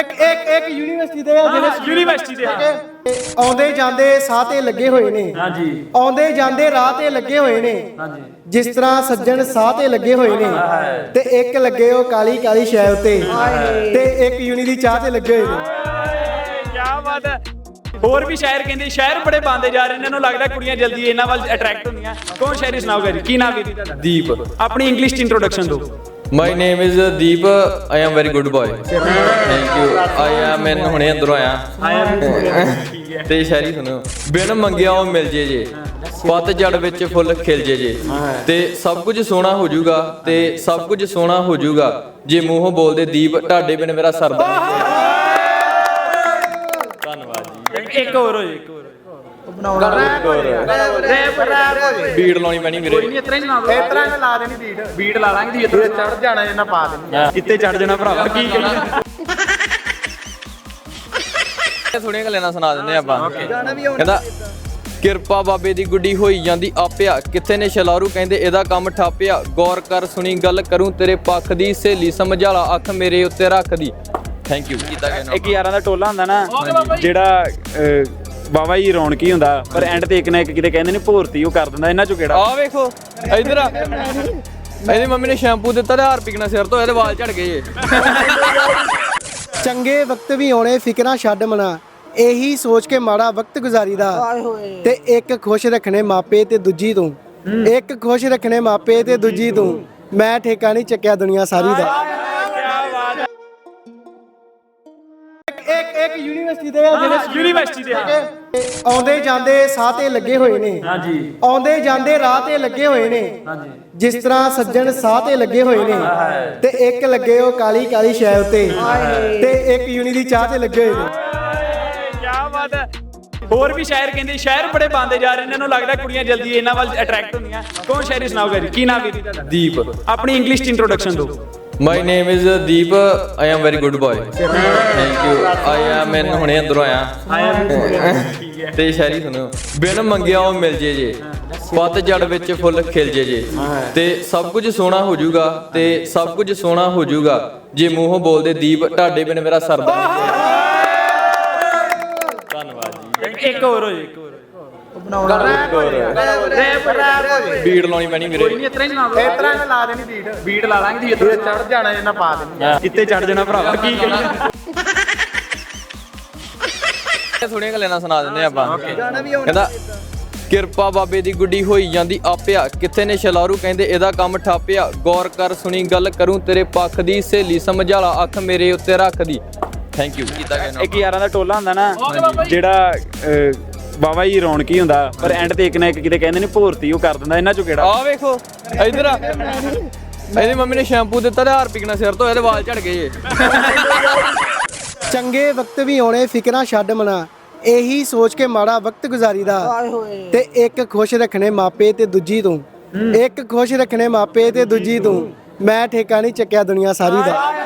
ਇੱਕ ਯੂਨੀਵਰਸਿਟੀ ਦੇ ਜਿਹੜੇ ਯੂਨੀਵਰਸਿਟੀ ਦੇ ਆਉਂਦੇ ਜਾਂਦੇ ਸਾਹ ਤੇ ਲੱਗੇ ਹੋਏ ਨੇ। ਹਾਂਜੀ ਆਉਂਦੇ ਜਾਂਦੇ ਰਾਹ ਤੇ ਲੱਗੇ ਹੋਏ ਨੇ। ਹਾਂਜੀ ਜਿਸ ਤਰ੍ਹਾਂ ਸੱਜਣ ਸਾਹ ਤੇ ਲੱਗੇ ਹੋਏ ਨੇ ਤੇ ਇੱਕ ਲੱਗੇ ਉਹ ਕਾਲੀ ਕਾਲੀ ਸ਼ੈ ਉੱਤੇ ਤੇ ਇੱਕ ਯੂਨੀ ਦੀ ਚਾਹ ਤੇ ਲੱਗੇ ਹੋਏ ਨੇ। ਕੀ ਬਾਤ ਹੈ। ਹੋਰ ਵੀ ਸ਼ਾਇਰ ਕਹਿੰਦੇ ਸ਼ਾਇਰ ਬੜੇ ਬੰਦੇ ਜਾ ਰਹੇ ਨੇ, ਇਹਨਾਂ ਨੂੰ ਲੱਗਦਾ ਕੁੜੀਆਂ ਜਲਦੀ ਇਹਨਾਂ ਵੱਲ ਅਟਰੈਕਟ ਹੁੰਦੀਆਂ। ਕੌਣ ਸ਼ਾਇਰੀ ਸੁਣਾਓਗਾ ਜੀ? ਕੀ ਨਾਮ ਹੈ ਤੁਹਾਡਾ? ਦੀਪ। ਆਪਣੀ ਇੰਗਲਿਸ਼ ਚ ਇੰਟਰੋਡਕਸ਼ਨ ਦਿਓ। My name is Deep. I am very good boy. Thank you. I am ਮੈਂ ਹੁਣੇ ਅੰਦਰੋਂ ਆਇਆ ਤੇ ਸ਼ਾਇਰੀ ਸੁਣੋ। ਬਿਨ ਮੰਗਿਆ ਉਹ ਮਿਲ ਜੇ ਪਤਝੜ ਵਿੱਚ ਫੁੱਲ ਖਿਲ ਜੇ ਤੇ ਸਭ ਕੁਝ ਸੋਹਣਾ ਹੋ ਜਾਊਗਾ ਤੇ ਸਭ ਕੁਝ ਸੋਹਣਾ ਹੋ ਜਾਊਗਾ ਜੇ ਮੂੰਹੋਂ ਬੋਲਦੇ ਦੀਪ ਤੁਹਾਡੇ ਬਿਨ ਮੇਰਾ ਸਰਦਾ। ਧੰਨਵਾਦ ਜੀ। ਇੱਕ ਹੋਰ ਹੋ ਜੀ, ਇੱਕ ਹੋਰ ਬੀੜ ਲਾਉਣੀ ਪੈਣੀ ਵੀਰੇ। ਕੋਈ ਨਹੀਂ ਇਤਰਾ ਹੀ ਸੁਣਾ ਦਿਓ। ਇਤਰਾ ਲਾ ਦੇਣੀ ਬੀਟ ਲਾ ਲਾਂਗੇ ਜੀ। ਚੜ ਜਾਣਾ ਇਹਨਾਂ ਪਾ ਦੇਣੀ ਇੱਥੇ ਚੜ ਜਾਣਾ ਭਰਾਵਾ। ਕੀ ਕਰੀਏ? ਥੋੜੀਆਂ ਗੱਲਾਂ ਨਾਲ ਸੁਣਾ ਦਿੰਦੇ ਆਪਾਂ। ਕਹਿੰਦਾ ਕਿਰਪਾ ਬਾਬੇ ਦੀ ਗੁੱਡੀ ਹੋਈ ਜਾਂਦੀ ਆਪਿਆ ਕਿੱਥੇ ਨੇ ਸ਼ਲਾਰੂ ਕਹਿੰਦੇ ਇਹਦਾ ਕੰਮ ਠਾਪਿਆ ਗੌਰ ਕਰ ਸੁਣੀ ਗੱਲ ਕਰੂੰ ਤੇਰੇ ਪੱਖ ਦੀ ਸਹੇਲੀ ਸਮਝਾਲਾ ਅੱਖ ਮੇਰੇ ਉੱਤੇ ਰੱਖਦੀ। Thank you. ਇੱਕ ਯਾਰਾਂ ਦਾ ਟੋਲਾ ਹੁੰਦਾ ਨਾ ਜਿਹੜਾ ਬਾਬਾ ਜੀ ਰੌਣਕੀ ਹੁੰਦਾ ਪਰ ਐਂਡ ਤੇ ਇੱਕ ਨਾ ਇੱਕ ਕਿਤੇ ਕਹਿੰਦੇ ਨੇ ਭੋਰਤੀ ਉਹ ਕਰ ਦਿੰਦਾ। ਇਹਨਾਂ ਚੋਂ ਕਿਹੜਾ? ਆ ਵੇਖੋ ਇਧਰ ਆ। ਇਹਦੀ ਮੰਮੀ ਨੇ ਸ਼ੈਂਪੂ ਦਿੱਤਾ ਤੇ ਹਾਰ ਪਿਕਣਾ ਸਿਰ ਤੋਂ ਇਹਦੇ ਵਾਲ ਝੜ ਗਏ। ਚੰਗੇ ਵਕਤ ਵੀ ਆਉਣੇ ਫਿਕਰਾਂ ਛੱਡ ਮਨਾ ਇਹੀ ਸੋਚ ਕੇ ਮਾੜਾ ਵਕਤ ਗੁਜ਼ਾਰੀਦਾ ਤੇ ਇੱਕ ਖੁਸ਼ ਰੱਖਣੇ ਮਾਪੇ ਤੇ ਦੂਜੀ ਤੂੰ। ਇੱਕ ਖੁਸ਼ ਰੱਖਣੇ ਮਾਪੇ ਤੇ ਦੂਜੀ ਤੂੰ। ਮੈਂ ਠੇਕਾ ਨਹੀਂ ਚੱਕਿਆ ਦੁਨੀਆ ਸਾਰੀ ਦਾ। ਇੱਕ ਯੂਨੀਵਰਸਿਟੀ ਦੇ ਜਿਹੜੇ ਯੂਨੀਵਰਸਿਟੀ ਦੇ ਆਉਂਦੇ ਜਾਂਦੇ ਸਾਹ ਤੇ ਲੱਗੇ ਹੋਏ ਨੇ। ਹਾਂਜੀ ਆਉਂਦੇ ਜਾਂਦੇ ਰਾਹ ਤੇ ਲੱਗੇ ਹੋਏ ਨੇ। ਹਾਂਜੀ ਜਿਸ ਤਰ੍ਹਾਂ ਸੱਜਣ ਸਾਹ ਤੇ ਲੱਗੇ ਹੋਏ ਨੇ ਤੇ ਇੱਕ ਲੱਗੇ ਉਹ ਕਾਲੀ ਕਾਲੀ ਸ਼ੈ ਉੱਤੇ ਤੇ ਇੱਕ ਯੂਨੀ ਦੀ ਚਾਹ ਤੇ ਲੱਗੇ ਹੋਏ ਨੇ। ਕੀ ਬਾਤ ਹੈ। ਹੋਰ ਵੀ ਸ਼ਾਇਰ ਕਹਿੰਦੇ ਸ਼ਾਇਰ ਬੜੇ ਬੰਦੇ ਜਾ ਰਹੇ ਨੇ, ਇਹਨਾਂ ਨੂੰ ਲੱਗਦਾ ਕੁੜੀਆਂ ਜਲਦੀ ਇਹਨਾਂ ਵੱਲ ਅਟਰੈਕਟ ਹੁੰਦੀਆਂ। ਕੌਣ ਸ਼ਾਇਰੀ ਸੁਣਾਓਗਾ ਜੀ? ਕੀ ਨਾਮ ਹੈ ਤੁਹਾਡਾ? ਦੀਪ। ਆਪਣੀ ਇੰਗਲਿਸ਼ ਚ ਇੰਟਰੋਡਕਸ਼ਨ ਦਿਓ। My name is Deep. I am very good boy. Thank you. I am ਮੈਂ ਹੁਣੇ ਅੰਦਰੋਂ ਆਇਆ ਤੇ ਸ਼ਾਇਰੀ ਸੁਣੋ। ਬਿਨ ਮੰਗਿਆ ਉਹ ਮਿਲ ਜੇ ਪਤਝੜ ਵਿੱਚ ਫੁੱਲ ਖਿਲ ਜੇ ਤੇ ਸਭ ਕੁਝ ਸੋਹਣਾ ਹੋ ਜਾਊਗਾ ਤੇ ਸਭ ਕੁਝ ਸੋਹਣਾ ਹੋ ਜਾਊਗਾ ਜੇ ਮੂੰਹੋਂ ਬੋਲਦੇ ਦੀਪ ਤੁਹਾਡੇ ਬਿਨ ਮੇਰਾ ਸਰਦਾ। ਧੰਨਵਾਦ ਜੀ। ਇੱਕ ਹੋਰ ਹੋ ਜੀ, ਇੱਕ ਹੋਰ ਬੀੜ ਲਾਉਣੀ ਪੈਣੀ ਵੀਰੇ। ਕੋਈ ਨਹੀਂ ਇਤਰਾ ਹੀ ਸੁਣਾ ਦਿਓ। ਇਤਰਾ ਲਾ ਦੇਣੀ ਬੀਟ ਲਾ ਲਾਂਗੇ ਜੀ। ਚੜ ਜਾਣਾ ਇਹਨਾਂ ਪਾ ਦੇਣੀ ਇੱਥੇ ਚੜ ਜਾਣਾ ਭਰਾਵਾ। ਕੀ ਕਰੀਏ? ਥੋੜੀਆਂ ਗੱਲਾਂ ਨਾਲ ਸੁਣਾ ਦਿੰਦੇ ਆਪਾਂ। ਕਹਿੰਦਾ ਕਿਰਪਾ ਬਾਬੇ ਦੀ ਗੁੱਡੀ ਹੋਈ ਜਾਂਦੀ ਆਪਿਆ ਕਿੱਥੇ ਨੇ ਸ਼ਲਾਰੂ ਕਹਿੰਦੇ ਇਹਦਾ ਕੰਮ ਠਾਪਿਆ ਗੌਰ ਕਰ ਸੁਣੀ ਗੱਲ ਕਰੂੰ ਤੇਰੇ ਪੱਖ ਦੀ ਸਹੇਲੀ ਸਮਝਾਲਾ ਅੱਖ ਮੇਰੇ ਉੱਤੇ ਰੱਖਦੀ। Thank you. ਇੱਕ ਯਾਰਾਂ ਦਾ ਟੋਲਾ ਹੁੰਦਾ ਨਾ ਜਿਹੜਾ ਬਾਬਾ ਜੀ ਰੌਣਕੀ ਹੁੰਦਾ ਪਰ ਐਂਡ ਤੇ ਇੱਕ ਨਾ ਇੱਕ ਕਿਤੇ ਕਹਿੰਦੇ ਨੇ ਭੋਰਤੀ ਉਹ ਕਰ ਦਿੰਦਾ। ਇਹਨਾਂ ਚੋਂ ਕਿਹੜਾ? ਆ ਵੇਖੋ ਇਧਰ ਆ। ਇਹਦੀ ਮੰਮੀ ਨੇ ਸ਼ੈਂਪੂ ਦਿੱਤਾ ਤੇ ਹਾਰ ਪਿਕਣਾ ਸਿਰ ਤੋਂ ਇਹਦੇ ਵਾਲ ਝੜ ਗਏ। ਚੰਗੇ ਵਕਤ ਵੀ ਆਉਣੇ ਫਿਕਰਾਂ ਛੱਡ ਮਨਾ ਇਹੀ ਸੋਚ ਕੇ ਮਾੜਾ ਵਕਤ ਗੁਜ਼ਾਰੀਦਾ ਤੇ ਇੱਕ ਖੁਸ਼ ਰੱਖਣੇ ਮਾਪੇ ਤੇ ਦੂਜੀ ਤੂੰ। ਇੱਕ ਖੁਸ਼ ਰੱਖਣੇ ਮਾਪੇ ਤੇ ਦੂਜੀ ਤੂੰ। ਮੈਂ ਠੇਕਾ ਨਹੀਂ ਚੱਕਿਆ ਦੁਨੀਆ ਸਾਰੀ ਦਾ।